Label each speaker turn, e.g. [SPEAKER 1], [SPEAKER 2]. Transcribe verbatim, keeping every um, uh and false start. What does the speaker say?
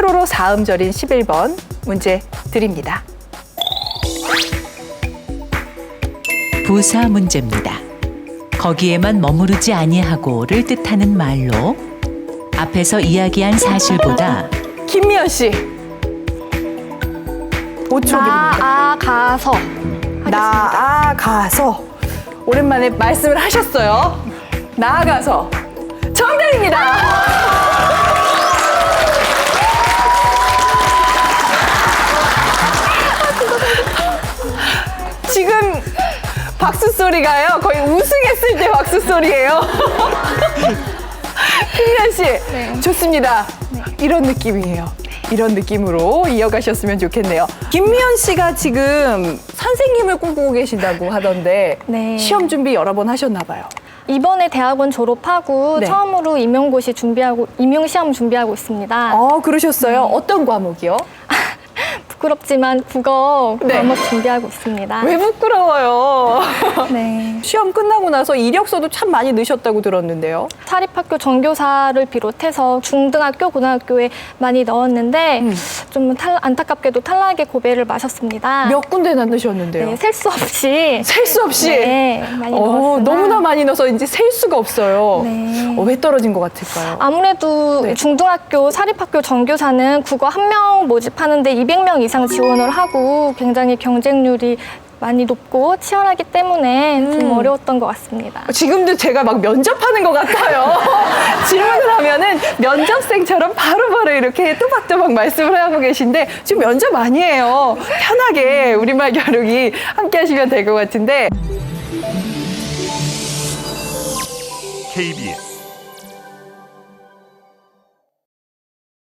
[SPEAKER 1] 세로로 사음절인 십일 번 문제 드립니다.
[SPEAKER 2] 부사 문제입니다. 거기에만 머무르지 아니하고를 뜻하는 말로 앞에서 이야기한 사실보다
[SPEAKER 1] 김미연 씨. 오 초 드립니다.
[SPEAKER 3] 나아가서.
[SPEAKER 1] 나아가서. 오랜만에 말씀을 하셨어요. 나아가서. 정답입니다. 지금 박수 소리가요. 거의 우승했을 때 박수 소리예요. 김미연 씨,
[SPEAKER 3] 네.
[SPEAKER 1] 좋습니다.
[SPEAKER 3] 네.
[SPEAKER 1] 이런 느낌이에요. 이런 느낌으로 이어가셨으면 좋겠네요. 김미연 씨가 지금 선생님을 꿈꾸고 계신다고 하던데
[SPEAKER 3] 네.
[SPEAKER 1] 시험 준비 여러 번 하셨나 봐요.
[SPEAKER 3] 이번에 대학원 졸업하고
[SPEAKER 1] 네.
[SPEAKER 3] 처음으로 임용고시 준비하고 임용 시험 준비하고 있습니다.
[SPEAKER 1] 어, 그러셨어요? 어떤 과목이요?
[SPEAKER 3] 부끄럽지만 국어
[SPEAKER 1] 네.
[SPEAKER 3] 과목 준비하고 있습니다.
[SPEAKER 1] 왜 부끄러워요?
[SPEAKER 3] 네.
[SPEAKER 1] 시험 끝나고 나서 이력서도 참 많이 넣으셨다고 들었는데요.
[SPEAKER 3] 사립학교 전교사를 비롯해서 중등학교, 고등학교에 많이 넣었는데
[SPEAKER 1] 음.
[SPEAKER 3] 좀 탈, 안타깝게도 탈락의 고배를 마셨습니다.
[SPEAKER 1] 몇 군데나 넣으셨는데요?
[SPEAKER 3] 네, 셀 수 없이.
[SPEAKER 1] 셀 수 없이?
[SPEAKER 3] 네, 많이
[SPEAKER 1] 어,
[SPEAKER 3] 넣었으나
[SPEAKER 1] 너무나 많이 넣어서 이제 셀 수가 없어요.
[SPEAKER 3] 네.
[SPEAKER 1] 어, 왜 떨어진 것 같을까요?
[SPEAKER 3] 아무래도
[SPEAKER 1] 네.
[SPEAKER 3] 중등학교, 사립학교 전교사는 국어 한 명 모집하는데 이백 명 이상 지원을 하고 굉장히 경쟁률이 많이 높고 치열하기 때문에
[SPEAKER 1] 음.
[SPEAKER 3] 좀 어려웠던 것 같습니다.
[SPEAKER 1] 지금도 제가 막 면접하는 것 같아요. 질문을 하면은 면접생처럼 바로바로 이렇게 또박또박 말씀을 하고 계신데 지금 면접 아니에요. 편하게 우리말 겨루기 함께 하시면 될 것 같은데.
[SPEAKER 4] 케이비에스